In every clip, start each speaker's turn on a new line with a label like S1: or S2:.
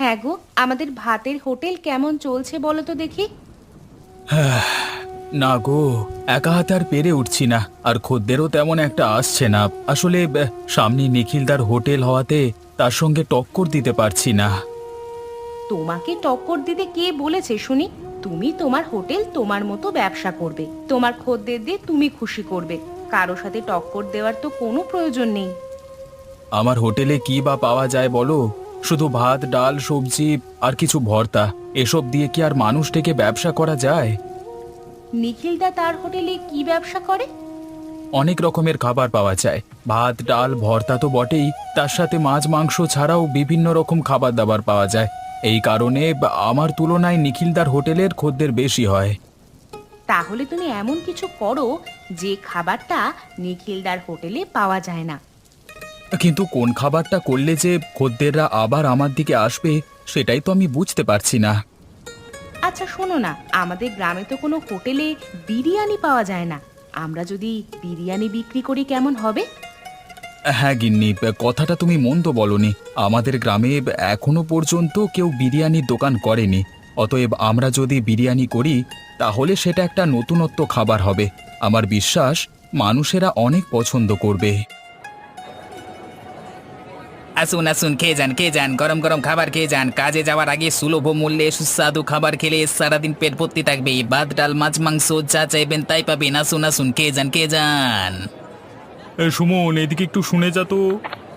S1: হ্যাঁ গো, আমাদের ভাতের হোটেল কেমন চলছে বলো তো দেখি।
S2: না গো, একা হাতে আর পেরে উঠছি না। আর খদ্দেরও তেমন একটা আসছে না। আসলে সামনে নিখিলদার হোটেল হওয়াতে তার সঙ্গে টক্কর দিতে পারছি না।
S1: তোমাকে টক্কর দিতে কে বলেছে শুনি? তুমি তোমার হোটেল তোমার মতো ব্যবসা করবে, তোমার খদ্দের দিয়ে তুমি খুশি করবে। কারো সাথে টক্কর দেওয়ার তো কোনো প্রয়োজন নেই।
S2: আমার হোটেলে কি বা পাওয়া যায় বলো? শুধু ভাত, ডাল, সবজি আর কিছু ভর্তা। এসব দিয়ে কি আর মানুষ থেকে ব্যবসা করা যায়?
S1: নিখিলদা তার হোটেলে কি ব্যবসা করে?
S2: অনেক রকমের খাবার পাওয়া যায়। ভাত, ডাল, ভর্তা তো বটেই, তার সাথে মাছ, মাংস ছাড়াও বিভিন্ন রকম খাবার দাবার পাওয়া যায়। এই কারণে আমার তুলনায় নিখিলদার হোটেলের খদ্দের বেশি হয়।
S1: তাহলে তুমি এমন কিছু করো যে খাবারটা নিখিলদার হোটেলে পাওয়া যায় না।
S2: কিন্তু কোন খাবারটা করলে যে খদ্দেররা আবার আমার দিকে আসবে, সেটাই তো আমি বুঝতে পারছি না।
S1: আচ্ছা শোনো না, আমাদের গ্রামে তো কোনো হোটেলে বিরিয়ানি পাওয়া যায় না। আমরা যদি বিরিয়ানি বিক্রি করি কেমন হবে?
S2: হ্যাঁ গিন্নি, কথাটা তুমি মন্দ বলনি। আমাদের গ্রামে এখনো পর্যন্ত কেউ বিরিয়ানির দোকান করেনি। অতএব আমরা যদি বিরিয়ানি করি, তাহলে সেটা একটা নতুনত্ব খাবার হবে। আমার বিশ্বাস মানুষেরা অনেক পছন্দ করবে।
S3: আসুন আসুন, খেয়ে যান, গরম গরম খাবার খেয়ে যান। কাজে যাওয়ার আগে সুলভ মূল্যে সুস্বাদু খাবার খেলে সারাদিন পেট ভর্তি থাকবে। ভাত, ডাল, মাছ, মাংস যা চাইবেন তাই পাবেন। আসুন আসুন, খেয়ে যান, খেয়ে যান।
S2: সুমন, এদিকে একটু শুনে যা তো।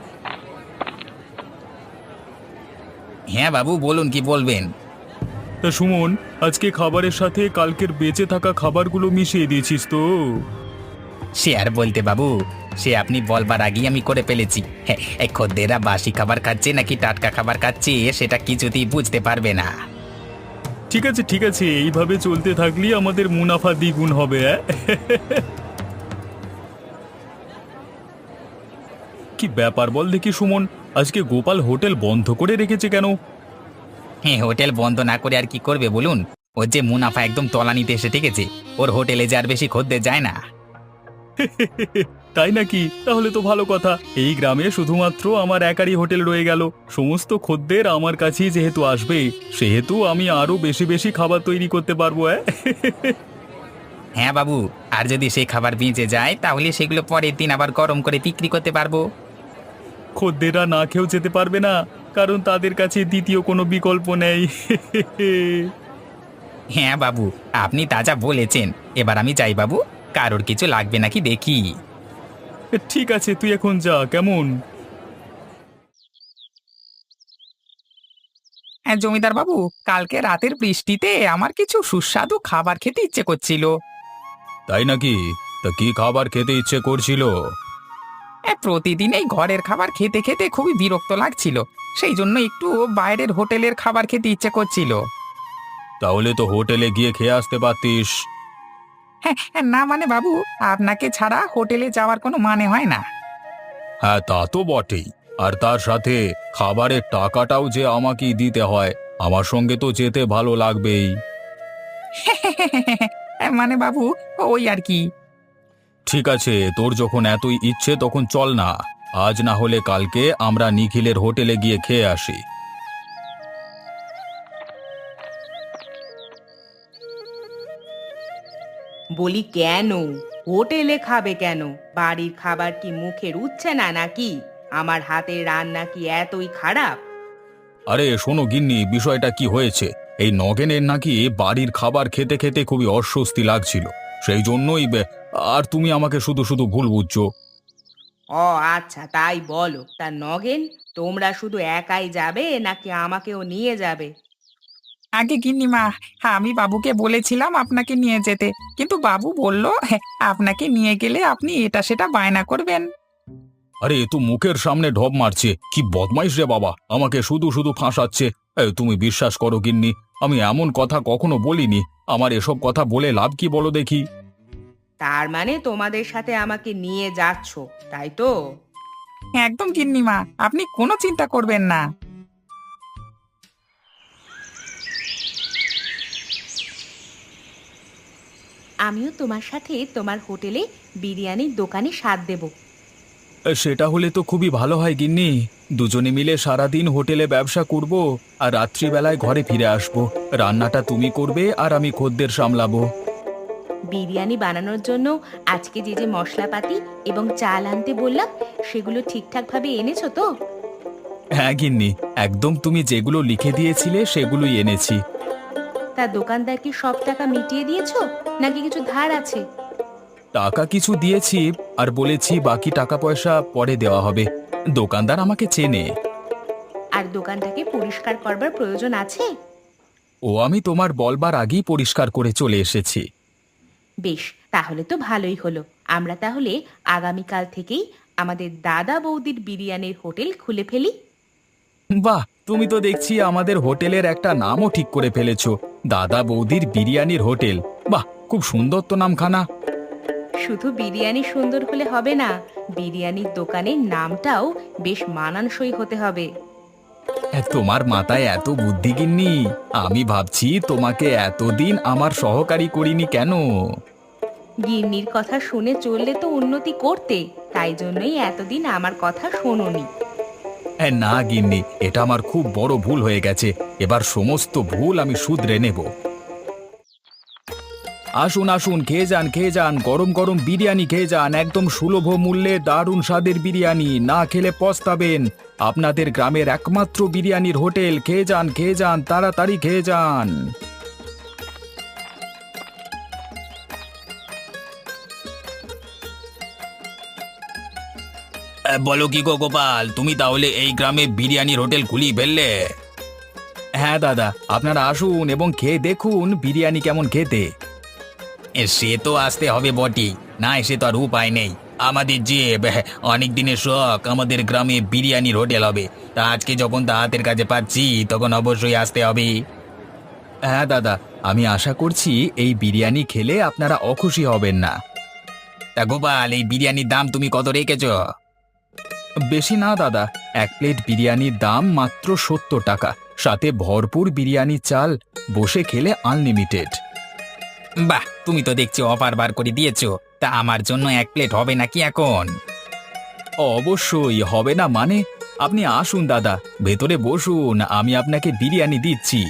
S3: হ্যাঁ বাবু, বলুন কি বলবেন।
S2: তা সুমন, আজকে খাবারের সাথে কালকের বেঁচে থাকা খাবারগুলো মিশিয়ে দিয়েছিস তো?
S3: সে আর বলতে বাবু, সে আপনি বলবার আগেই আমি করে ফেলেছি। হ্যাঁ, এই খদ্দেররা বাসি খাবার খাচ্ছে নাকি টাটকা খাবার খাচ্ছে সেটা কিছুতেই বুঝতে পারবে না।
S2: ঠিক আছে ঠিক আছে, এইভাবে চলতে থাকলেই আমাদের মুনাফা দ্বিগুণ হবে। কি ব্যাপার বল দেখি সুমন, আজকে গোপাল হোটেল বন্ধ করে রেখেছে কেন?
S3: হ্যাঁ, হোটেল বন্ধ না করে আর কি করবে বলুন? ওর যে মুনাফা একদম তলানিতে এসে ঠেকেছে। ওর হোটেলে যে আর বেশি খদ্দের যায় না।
S2: তাই নাকি? তাহলে তো ভালো কথা। এই গ্রামে শুধুমাত্র আমার একারই হোটেল রয়ে গেল। সমস্ত খদ্দের আমার কাছেই যেহেতু আসবে, সেহেতু আমি আরো বেশি বেশি খাবার তৈরি করতে পারবো।
S3: হ্যাঁ বাবু, আর যদি সেই খাবার বেঁচে যায় তাহলে সেগুলো পরের দিন আবার গরম করে বিক্রি করতে পারবো।
S2: খদ্দেররা না খেয়েও যেতে পারবে না, কারণ তাদের কাছে দ্বিতীয় কোনো বিকল্প নেই।
S3: হ্যাঁ বাবু, আপনি তাজা বলেছেন। এবার আমি যাই বাবু, কারোর কিছু লাগবে নাকি দেখি।
S2: ঠিক আছে, তুই এখন যা, কেমন?
S3: হ্যাঁ জমিদার বাবু, কালকে রাতের বৃষ্টিতে আমার কিছু সুস্বাদু খাবার খেতে ইচ্ছে করছিল।
S2: তাই নাকি? তা কি খাবার খেতে ইচ্ছে করছিল?
S3: প্রতিদিন এই ঘরের খাবার খেতে খেতে খুবই বিরক্ত লাগছিল। সেই জন্য একটু বাইরের হোটেলের খাবার খেতে ইচ্ছে করছিল।
S2: তাহলে তো হোটেলে গিয়ে খেয়ে আসতে পারতিস।
S3: হ্যাঁ হ্যাঁ, না মানে বাবু, আপনাকে ছাড়া হোটেলে যাওয়ার কোনো মানে হয় না।
S2: হ্যাঁ, তা তো বটেই। আর তার সাথে খাবারের টাকাটাও যে আমাকেই দিতে হয়। আমার সঙ্গে তো যেতে ভালো লাগবেই।
S3: মানে বাবু, ওই আর কি।
S2: ঠিক আছে, তোর যখন এতই ইচ্ছে তখন চল না। আজ না হলে কালকে আমরা নিখিলের হোটেলে গিয়ে খেয়ে আসি।
S1: বলি কেন? হোটেলে খাবে কেন? বাড়ির খাবার কি মুখে রুচছে না নাকি? আমার হাতের রান্না কি এতই খারাপ?
S2: আরে শোনো গিন্নি, বিষয়টা কি হয়েছে? এই নগেনের নাকি বাড়ির খাবার খেতে খেতে খুবই অস্বস্তি লাগছিল। সেই জন্যই আর তুমি আমাকে শুধু শুধু ভুল বুঝছো।
S1: ও আচ্ছা, তাই বলো। তা নগেন, তোমরা শুধু একাই যাবে নাকি আমাকেও নিয়ে যাবে?
S3: আগে গিন্নিমা, হ্যাঁ আমি বাবুকে বলেছিলাম আপনাকে নিয়ে যেতে, কিন্তু বাবু বলল হ্যাঁ, আপনাকে নিয়ে গেলে আপনি এটা সেটা বায়না করবেন।
S2: আরে এ তো মুখের সামনে ঢপ মারছে, কি বদমাইশ রে বাবা, আমাকে শুধু শুধু ফাঁসাচ্ছে। তুমি বিশ্বাস করো গিন্নি, আমি এমন কথা কখনো বলিনি। আমার এসব কথা বলে লাভ কি বলো দেখি?
S1: তার মানে তোমাদের সাথে আমাকে নিয়ে যাচ্ছ, তাই তো?
S3: হ্যাঁ, একদম গিন্নিমা, আপনি কোনো চিন্তা করবেন না।
S1: আমিও তোমার সাথে তোমার হোটেলে বিরিয়ানির দোকানে স্বাদ দেব।
S2: সেটা হলে তো খুবই ভালো হয় গিন্নি। দুজনে মিলে সারাদিন হোটেলে ব্যবসা করব আর রাত্রিবেলায় ঘরে ফিরে আসব। রান্নাটা তুমি করবে আর আমি খদ্দের সামলাবো।
S1: বিরিয়ানি বানানোর জন্য আজকে যে যে মশলাপাতি এবং চাল আনতে বললাম সেগুলো ঠিকঠাকভাবে এনেছো তো?
S2: হ্যাঁ গিন্নি, একদম তুমি যেগুলো লিখে দিয়েছিলে সেগুলোই এনেছি।
S1: তা দোকানদার কি সব টাকা মিটিয়ে দিয়েছো নাকি কিছু ধার আছে?
S2: টাকা কিছু দিয়েছি আর বলেছি বাকি টাকা পয়সা পরে দেওয়া হবে। দোকানদার আমাকে চেনে।
S1: আর দোকানটাকে পরিষ্কার করবার প্রয়োজন আছে?
S2: ও আমি তোমার বলবার আগেই পরিষ্কার করে চলে এসেছি।
S1: বেশ, তাহলে তো ভালোই হলো। আমরা তাহলে আগামীকাল থেকেই আমাদের দাদা বৌদির বিরিয়ানির হোটেল খুলে ফেলি।
S2: বাহ, তুমি তো দেখছি আমাদের হোটেলের একটা নামও ঠিক করে ফেলেছো, দাদা বৌদির বিরিয়ানির হোটেল। বাহ, খুব সুন্দর তো নামখানা।
S1: শুধু বিরিয়ানি সুন্দর হলে হবে না, বিরিয়ানির দোকানের নামটাও বেশ মানানসই হতে হবে।
S2: তোমার মাথায় এত বুদ্ধি গিন্নি, আমি ভাবছি তোমাকে এতদিন আমার সহকারী করিনি কেন।
S1: গিন্নির কথা শুনে চললে তো উন্নতি করতে, তাই জন্যই এতদিন আমার কথা শোনোনি।
S2: না গিন্নি, এটা আমার খুব বড় ভুল হয়ে গেছে। এবার সমস্ত ভুল আমি শুধরে নেব। আসুন আসুন, খেয়ে যান খেয়ে যান, গরম গরম বিরিয়ানি খেয়ে যান, একদম সুলভ মূল্যে দারুণ স্বাদের বিরিয়ানি, না খেলে পস্তাবেন। আপনাদের গ্রামের একমাত্র বিরিয়ানির হোটেল, খেয়ে যান তাড়াতাড়ি খেয়ে যান।
S3: বলো কি গো গোপাল, তুমি তাহলে এই গ্রামে বিরিয়ানির হোটেল খুলি ফেললে?
S2: হ্যাঁ দাদা, আপনারা আসুন এবং খেয়ে দেখুন বিরিয়ানি কেমন খেতে।
S3: সে তো আসতে হবে বটি, না এসে তো আর উপায় নেই। আমাদের যে অনেক দিনের শখ, আমাদের গ্রামে বিরিয়ানির হোটেল হবে। তা আজকে যখন তা হাতের কাছে পাচ্ছি তখন অবশ্যই আসতে হবে।
S2: হ্যাঁ দাদা, আমি আশা করছি এই বিরিয়ানি খেলে আপনারা অখুশি হবেন না।
S3: তা গোপাল, এই বিরিয়ানির দাম তুমি কত রেখেছ?
S2: বেশি না দাদা, এক প্লেট বিরিয়ানির দাম মাত্র 70 টাকা, সাথে ভরপুর বিরিয়ানি চাল, বসে খেলে আনলিমিটেড।
S3: বাহ, তুমি তো দেখছি অফার বার করে দিয়েছো। তা আমার জন্য এক প্লেট হবে নাকি এখন?
S2: অবশ্যই হবে না মানে? আপনি আসুন দাদা, ভেতরে বসুন, আমি আপনাকে বিরিয়ানি দিচ্ছি।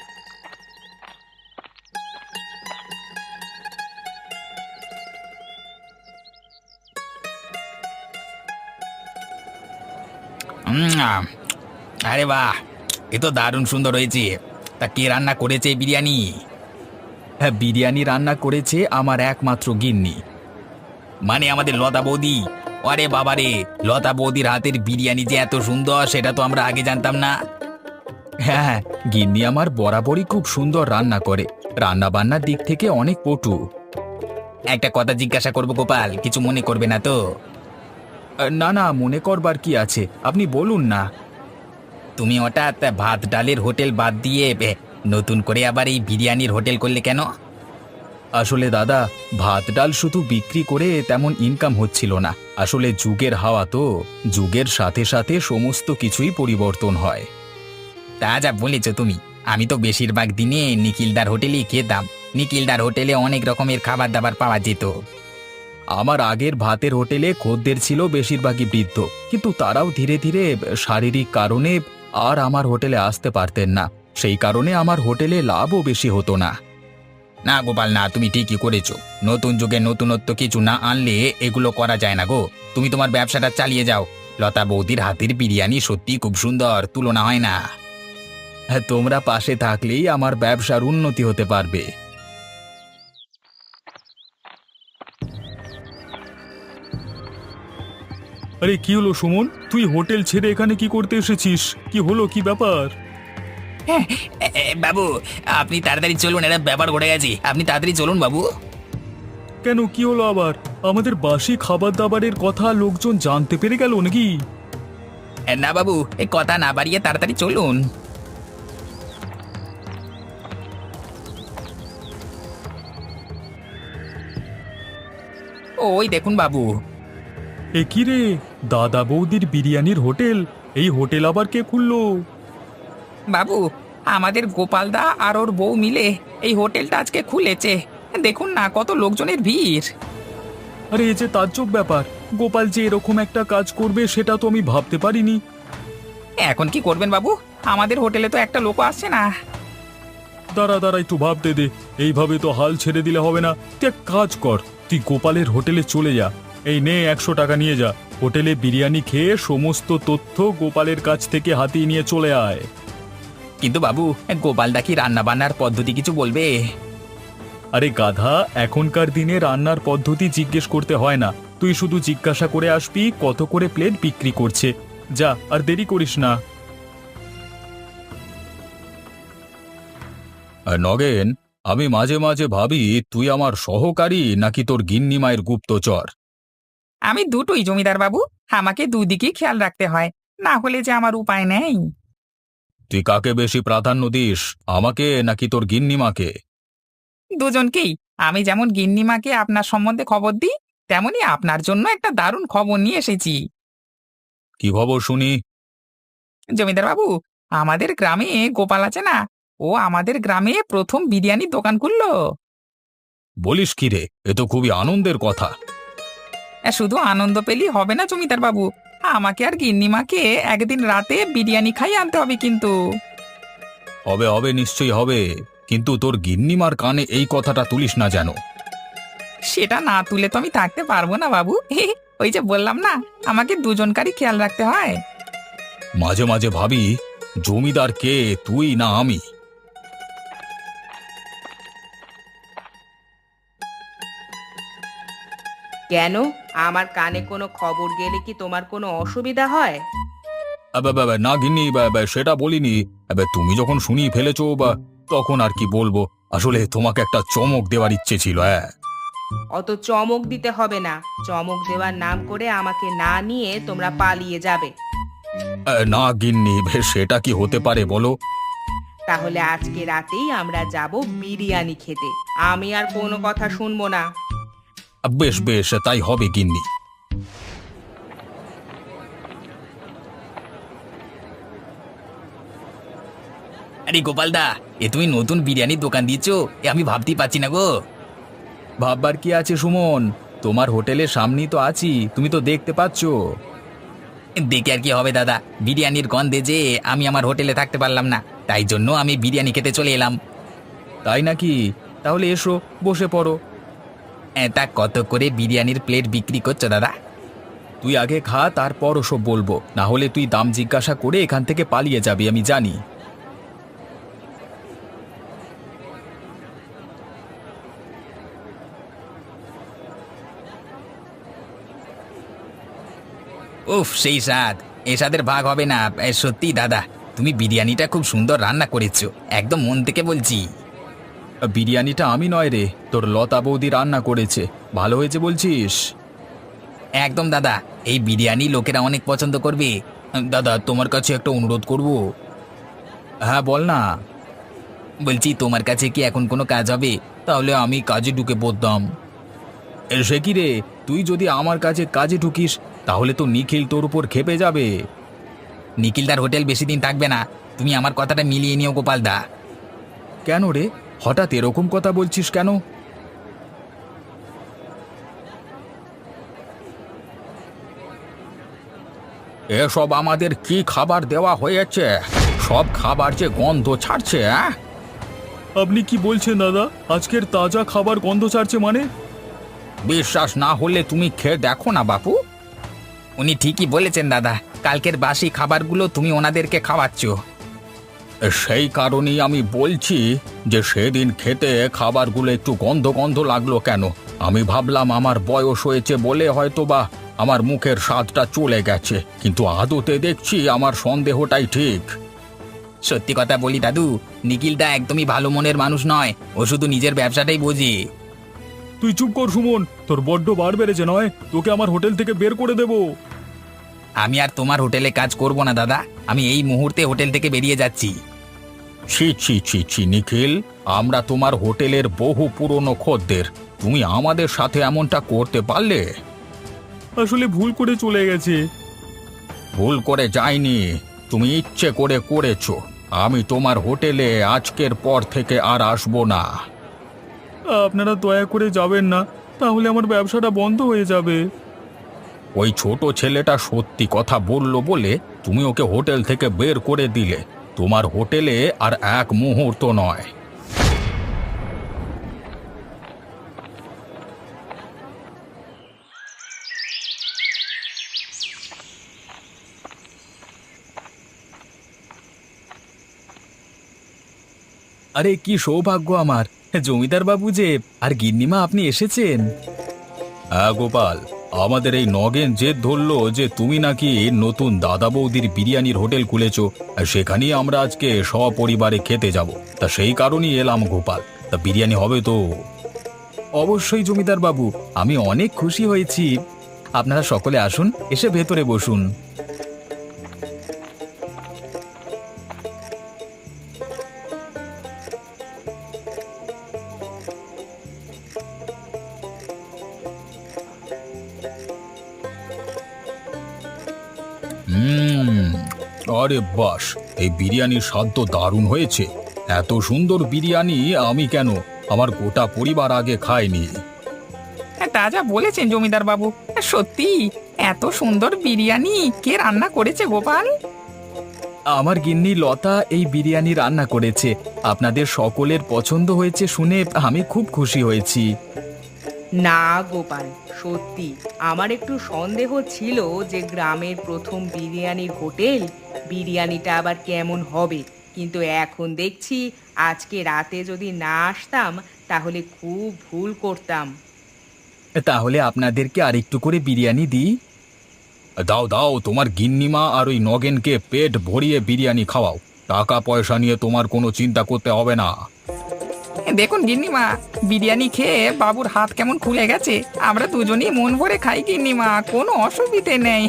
S3: উম, আরে বাহ, এ তো দারুণ সুন্দর হয়েছে। তা কে রান্না করেছে এই বিরিয়ানি?
S2: হ্যাঁ, বিরিয়ানি রান্না করেছে আমার একমাত্র গিন্নি।
S3: মানে আমাদের লতা বৌদি? আরে বাবারে, লতা বৌদির হাতের বিরিয়ানি যে এত সুন্দর সেটা তো আমরা আগে জানতাম না।
S2: হ্যাঁ হ্যাঁ, গিন্নি আমার বরাবরই খুব সুন্দর রান্না করে, রান্না বান্নার দিক থেকে অনেক পটু।
S3: একটা কথা জিজ্ঞাসা করবো গোপাল, কিছু মনে করবে না তো?
S2: না না, মনে করবার কি আছে, আপনি বলুন না।
S3: তুমি হঠাৎ ভাত ডালের হোটেল বাদ দিয়ে নতুন করে আবার এই বিরিয়ানির হোটেল করলে কেন?
S2: আসলে দাদা, ভাত ডাল শুধু বিক্রি করে তেমন ইনকাম হচ্ছিল না। আসলে যুগের হাওয়া তো, যুগের সাথে সাথে সমস্ত কিছুই পরিবর্তন হয়।
S3: তা যা বলেছ তুমি, আমি তো বেশিরভাগ দিনে নিখিলদার হোটেলেই খেতাম। নিখিলদার হোটেলে অনেক রকমের খাবার দাবার পাওয়া যেত।
S2: আমার আগের ভাতের হোটেলে খদ্দের ছিল বেশিরভাগই বৃদ্ধ, কিন্তু তারাও ধীরে ধীরে শারীরিক কারণে আর আমার হোটেলে আসতে পারতেন না। সেই কারণে আমার হোটেলে লাভও বেশি হতো না।
S3: না গোপাল না, তুমি ঠিকই করেছো। নতুন যুগে নতুনত্ব কিছু না আনলে এগুলো করা যায় না গো। তুমি তোমার ব্যবসাটা চালিয়ে যাও। লতা বৌদির হাতের বিরিয়ানি সত্যি খুব সুন্দর, তুলনা হয় না।
S2: হ্যাঁ, তোমরা পাশে থাকলেই আমার ব্যবসার উন্নতি হতে পারবে। আরে কি হলো সুমন, তুই হোটেল ছেড়ে এখানে কি করতে এসেছিস? কি হলো, কি ব্যাপার?
S3: বাবু, আপনি তাড়াতাড়ি চলুন, একটা ব্যাপার ঘটে গেছে। আপনি তাড়াতাড়ি চলুন বাবু।
S2: কেন, কি হলো আবার? আমাদের বাসি খাবার দাবারের কথা লোকজন জানতে পেরে গেল নাকি?
S3: না বাবু, এই কথা না বাড়িয়ে তাড়াতাড়ি চলুন। ওই দেখুন বাবু।
S2: এ কি রে, দাদা বৌদির বিরিয়ানির হোটেল? এই হোটেল আবার কে খুললো?
S3: বাবু, আমাদের গোপালদা আর ওর বউ মিলে এই হোটেলটা আজকে খুলেছে। দেখুন না কত লোকজনের ভিড়।
S2: আরে এ যে তাজ্জব ব্যাপার, গোপাল যে এরকম একটা কাজ করবে সেটা তো আমি ভাবতে পারিনি।
S3: এখন কি করবেন বাবু? আমাদের হোটেলে তো একটা লোকও আসছে না।
S2: দাঁড়া দাঁড়া, একটু ভাবতে দে। এইভাবে তো হাল ছেড়ে দিলে হবে না। তুই এক কাজ কর, তুই গোপালের হোটেলে চলে যা। এই নে 100 টাকা নিয়ে যা। হোটেলে বিরিয়ানি খেয়ে সমস্ত তথ্য গোপালের কাছ থেকে হাতিয়ে নিয়ে চলে আয়।
S3: কিন্তু বাবু, গোপালদা কি রান্না বান্নার পদ্ধতি কিছু বলবে?
S2: আরে গাধা, এখনকার দিনে রান্নার পদ্ধতি জিজ্ঞেস করতে হয় না। তুই শুধু জিজ্ঞাসা করে আসবি কত করে প্লেট বিক্রি করছে। যা, আর দেরি করিস না। নগেন, আমি মাঝে মাঝে ভাবি তুই আমার সহকারী নাকি তোর গিন্নি মায়ের গুপ্তচর।
S3: আমি দুটোই জমিদার বাবু, আমাকে দুদিকেই খেয়াল রাখতে হয়, না হলে যে আমার উপায় নেই।
S2: তুই কাকে বেশি প্রাধান্য দিস, আমাকে নাকি তোর গিন্নিমাকে?
S3: দুজনকেই। আমি যেমন গিন্নিমাকে আপনার সম্বন্ধে খবর দিই, তেমনি আপনার জন্য একটা দারুণ খবর নিয়ে এসেছি।
S2: কি খবর শুনি?
S3: জমিদার বাবু, আমাদের গ্রামে গোপাল আছে না, ও আমাদের গ্রামে প্রথম বিরিয়ানির দোকান খুললো।
S2: বলিস কি রে, এ তো খুবই আনন্দের কথা।
S3: শুধু আনন্দ পেলেই হবে না জমিদার বাবু, আমাকে আর গিন্নিমাকে একদিন রাতে বিরিয়ানি খাই আনতে হবে কিন্তু।
S2: হবে হবে, নিশ্চয়ই হবে, কিন্তু তোর গিন্নিমার কানে এই কথাটা তুলিস না যেন।
S3: সেটা না তুলে তো আমি থাকতে পারবো না বাবু। ওই যে বললাম না, আমাকে দুজনকারই খেয়াল রাখতে হয়।
S2: মাঝে মাঝে ভাবি জমিদার কে, তুই না আমি?
S1: কেন, আমার কানে কোনো খবর গেলে কি তোমার কোনো অসুবিধা হয়?
S2: না গিন্নি, সেটা বলিনি। তুমি যখন শুনিয়ে ফেলেছো তখন আর কি বলবো। আসলে তোমাকে একটা চমক দেওয়ার ইচ্ছে ছিল। হ্যাঁ,
S1: অত চমক দিতে হবে না। চমক দেওয়ার নাম করে আমাকে না নিয়ে তোমরা পালিয়ে যাবে।
S2: না গিন্নি, সেটা কি হতে পারে বলো?
S1: তাহলে আজকে রাতেই আমরা যাব বিরিয়ানি খেতে। আমি আর কোনো কথা শুনবো না।
S2: বেশ বেশ, তাই হবে গিন্নি।
S3: আরে গোপালদা, এ তুমি নতুন বিরিয়ানির দোকান দিয়েছো, এ আমি ভাবতেই পারছি না গো।
S2: ভাববার কি আছে সুমন, তোমার হোটেলের সামনেই তো আছি, তুমি তো দেখতে পাচ্ছো।
S3: দেখে আর কি হবে দাদা, বিরিয়ানির গন্ধে যে আমি আমার হোটেলে থাকতে পারলাম না, তাই জন্য আমি বিরিয়ানি খেতে চলে এলাম।
S2: তাই নাকি? তাহলে এসো, বসে পড়ো।
S3: তা কত করে বিরিয়ানির প্লেট বিক্রি করছো দাদা?
S2: তুই আগে খা, তারপর ওসব বলবো, না হলে তুই দাম জিজ্ঞাসা করে এখান থেকে পালিয়ে যাবি, আমি জানি।
S3: উফ, সেই স্বাদ, এ স্বাদের ভাগ হবে না। সত্যি দাদা, তুমি বিরিয়ানিটা খুব সুন্দর রান্না করেছো, একদম মন থেকে বলছি।
S2: বিরিয়ানিটা আমি নয় রে, তোর লতা বৌদি রান্না করেছে। ভালো হয়েছে বলছিস?
S3: একদম দাদা, এই বিরিয়ানি লোকেরা অনেক পছন্দ করবে। দাদা, তোমার কাছে একটা অনুরোধ করব।
S2: হ্যাঁ বল না।
S3: বলছি, তোমার কাছে কি এখন কোনো কাজ হবে? তাহলে আমি কাজে ঢুকে পড়তাম।
S2: সে কি রে, তুই যদি আমার কাছে কাজে ঢুকিস তাহলে তো নিখিল তোর উপর খেপে যাবে।
S3: নিখিলদার হোটেল বেশি দিন থাকবে না, তুমি আমার কথাটা মিলিয়ে নিও গোপালদা।
S2: কেন রে, হঠাৎ এরকম কথা বলছিস কেন? এসব আমাদের কি খাবার দেওয়া হয়েছে? সব খাবার যে গন্ধ ছাড়ছে। আপনি কি বলছেন দাদা, আজকের তাজা খাবার গন্ধ ছাড়ছে মানে?
S3: বিশ্বাস না হলে তুমি খেয়ে দেখো না বাপু। উনি ঠিকই বলেছেন দাদা, কালকের বাসি খাবারগুলো তুমি ওনাদেরকে খাওয়াচ্ছ।
S2: সেই কারণেই আমি বলছি যে সেদিন খেতে খাবারগুলো একটু গন্ধ গন্ধ লাগলো কেন। আমি ভাবলাম আমার বয়স হয়েছে বলে হয়তোবা আমার মুখের স্বাদটা চলে গেছে, কিন্তু আদতে দেখছি আমার সন্দেহটাই ঠিক।
S3: সত্যি কথা বলি দাদু, নিখিলদা একদমই ভালো মনের মানুষ নয়, ও শুধু নিজের ব্যবসাটাই বোঝে।
S2: তুই চুপ কর সুমন, তোর বড্ড বার বেড়েছে নয়, তোকে আমার হোটেল থেকে বের করে দেব।
S3: আমি আর তোমার হোটেলে কাজ করব না দাদা, আমি এই মুহূর্তে হোটেল থেকে বেরিয়ে যাচ্ছি।
S2: ছি ছি ছি ছি নিখিল, আমরা তোমার হোটেলের বহু পুরনো খদ্দের, তুমি আমাদের সাথে এমনটা করতে পারলে? আসলে ভুল করে চলে গেছে। ভুল করে যায়নি, তুমি ইচ্ছে করে করেছো। আমি তোমার হোটেলে আজকের পর থেকে আর আসবো না। আপনারা দয়া করে যাবেন না, তাহলে আমার ব্যবসাটা বন্ধ হয়ে যাবে। ওই ছোট ছেলেটা সত্যি কথা বলল বলে তুমি ওকে হোটেল থেকে বের করে দিলে। তোমার হোটেলে আর এক মুহূর্ত নয়। আরে কি সৌভাগ্য আমার, জমিদার বাবু যে আর গিন্নিমা আপনি এসেছেন। হ্যাঁ গোপাল, আমাদের এই নগেন জেদ ধরলো যে তুমি নাকি নতুন দাদা বৌদির বিরিয়ানির হোটেল খুলেছো, আর সেখানেই আমরা আজকে সপরিবারে খেতে যাব। তা সেই কারণেই এলাম গোপাল। তা বিরিয়ানি হবে তো? অবশ্যই জমিদার বাবু, আমি অনেক খুশি হয়েছি। আপনারা সকলে আসুন, এসে ভেতরে বসুন। হুম, আরে বাস, এই বিরিয়ানির স্বাদ তো দারুণ হয়েছে। এত সুন্দর বিরিয়ানি আমি কেন, আমার গোটা পরিবার আগে খায়নি।
S3: তা যা বলেছেন জমিদার বাবু, সত্যি এত সুন্দর বিরিয়ানি কে রান্না করেছে গোপাল?
S2: আমার গিন্নি লতা এই বিরিয়ানি রান্না করেছে। আপনাদের সকলের পছন্দ হয়েছে শুনে আমি খুব খুশি হয়েছি।
S1: না গোপাল, সত্যি আমার একটু সন্দেহ ছিল যে গ্রামের প্রথম বিরিয়ানির হোটেল, বিরিয়ানিটা আবার কেমন হবে। কিন্তু এখন দেখছি আজকে রাতে যদি না আসতাম তাহলে খুব ভুল করতাম।
S2: তাহলে আপনাদেরকে আরেকটু করে বিরিয়ানি দিই। দাও দাও, তোমার গিন্নিমা আর ওই নগেনকে পেট ভরিয়ে বিরিয়ানি খাওয়াও। টাকা পয়সা নিয়ে তোমার কোনো চিন্তা করতে হবে না।
S3: দেখুন গিন্নিমা, বিরিয়ানি খেয়ে বাবুর হাত কেমন খুলে গেছে। আমরা দুজনেই মন ভরে খাই গিন্নিমা, কোনো অসুবিধে নেই।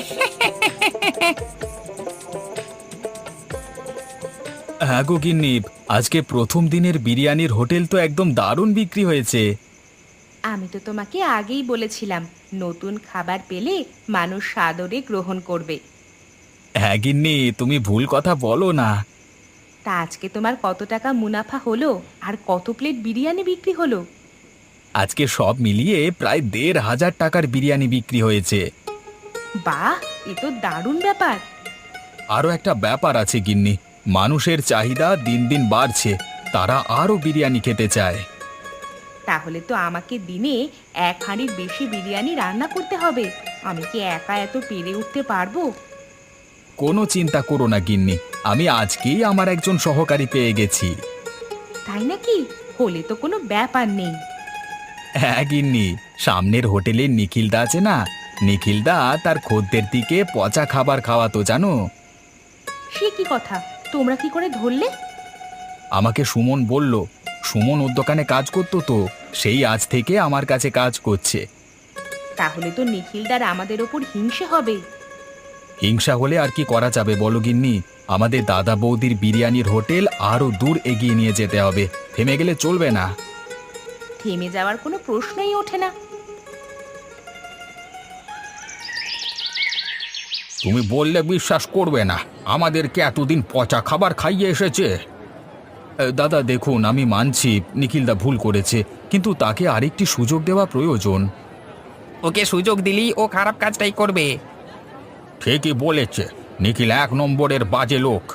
S2: হ্যাঁ গো গিন্নি, আজকে প্রথম দিনের বিরিয়ানির হোটেল তো একদম দারুণ বিক্রি হয়েছে।
S1: আমি তো তোমাকে আগেই বলেছিলাম, নতুন খাবার পেলে মানুষ সাদরে গ্রহণ করবে।
S2: হ্যাঁ গিন্নি, তুমি ভুল কথা বলো না।
S1: তা আজকে তোমার কত টাকা মুনাফা হলো আর কত প্লেট বিরিয়ানি বিক্রি হলো?
S2: আজকে সব মিলিয়ে প্রায় ১,৫০০ টাকার বিরিয়ানি বিক্রি হয়েছে।
S1: বাহ, এ তো দারুণ ব্যাপার।
S2: আরও একটা ব্যাপার আছে গিন্নি, মানুষের চাহিদা দিন দিন বাড়ছে, তারা আরও বিরিয়ানি খেতে চায়।
S1: তাহলে তো আমাকে দিনে 1 হাঁড়ির বেশি বিরিয়ানি রান্না করতে হবে। আমি কি একা এত পেরে উঠতে পারবো?
S2: কোনো চিন্তা করো না গিন্নি, আমি আজকেই আমার একজন সহকারী পেয়ে গেছি।
S1: তাই নাকি? হলে তো কোনো ব্যাপার নেই।
S2: হ্যাঁ গিন্নি, সামনের হোটেলে নিখিলদা আছে না, নিখিলদা তার খদ্দের দিকে পচা খাবার খাওয়াতো জানো।
S1: সে কি কথা, তোমরা কি করে ধরলে?
S2: আমাকে সুমন বলল, সুমন ওর দোকানে কাজ করতো তো, সেই আজ থেকে আমার কাছে কাজ করছে।
S1: তাহলে তো নিখিলদার আমাদের ওপর হিংসে হবে।
S2: হিংসা হলে আর কি করা যাবে বলো গিন্নি, আমাদের দাদা বৌদির বিরিয়ানির হোটেল আরো দূর এগিয়ে নিয়ে যেতে হবে, থেমে গেলে চলবে না।
S1: থেমে যাওয়ার কোনো প্রশ্নই ওঠে না।
S2: তুমি বললে বিশ্বাস করবে না, আমাদেরকে এতদিন পচা খাবার খাইয়ে এসেছে। দাদা দেখুন, আমি মানছি নিখিলদা ভুল করেছে, কিন্তু তাকে আরেকটি সুযোগ দেওয়া প্রয়োজন।
S3: ওকে সুযোগ দিলেই ও খারাপ কাজটাই করবে।
S2: ঠিকই বলেছে, নিখিল 1 নম্বরের বাজে লোক।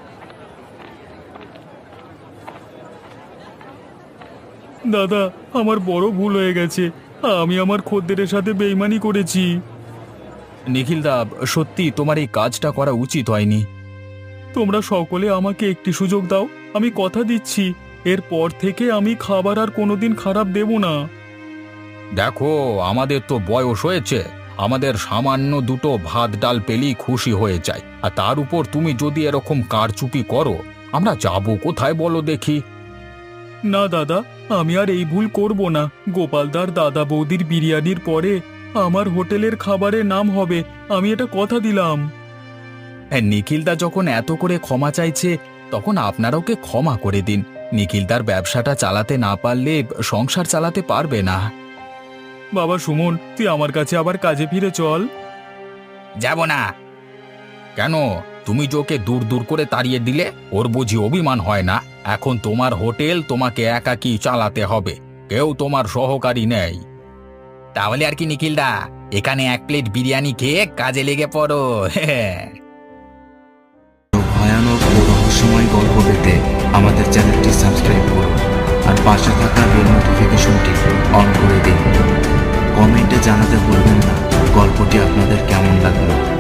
S2: দাদা, আমার বড় ভুল হয়ে গেছে, আমি আমার খদ্দেরের সাথে বেইমানি করেছি। নিখিলদা, সত্যি তোমার এই কাজটা করা উচিত হয়নি। তোমরা সকলে আমাকে একটি সুযোগ দাও, আমি কথা দিচ্ছি এরপর থেকে আমি খাবার আর কোনোদিন খারাপ দেব না। দেখো, আমাদের তো বয়স হয়েছে, আমাদের সামান্য দুটো ভাত ডাল পেলেই খুশি হয়ে যায়, আর তার উপর তুমি যদি এরকম কারচুপি করো, আমরা যাব কোথায় বলো দেখি। না দাদা, আমি আর এই ভুল করব না। গোপালদার দাদা বৌদির বিরিয়ানির পরে আমার হোটেলের খাবারের নাম হবে, আমি এটা কথা দিলাম। নিখিলদা যখন এত করে ক্ষমা চাইছে, তখন আপনারা ওকে ক্ষমা করে দিন। নিখিলদার ব্যবসাটা চালাতে না পারলে সংসার চালাতে পারবে না। বাবা সুমন, তুই আমার কাছে আবার কাজে ফিরে চল।
S3: যাব না।
S2: কেন, তুমি যে ওকে দূর দূর করে তাড়িয়ে দিলে, ওর বুঝি অভিমান হয় না? এখন তোমার হোটেল তোমাকে একাকী চালাতে হবে, কেউ তোমার সহকারী নেই।
S3: তাহলে আর কি নিখিলদা, এখানে 1 প্লেট বিরিয়ানি খেয়ে কাজে লেগে পড়ো।
S4: ভয়ানক ও রহস্যময় গল্প পেতে আমাদের চ্যানেলটি সাবস্ক্রাইব করুন আর পাশে থাকা বেল নোটিফিকেশনটি অন করে দিন। কমেন্টে জানাতে ভুলবেন না গল্পটি আপনাদের কেমন লাগলো।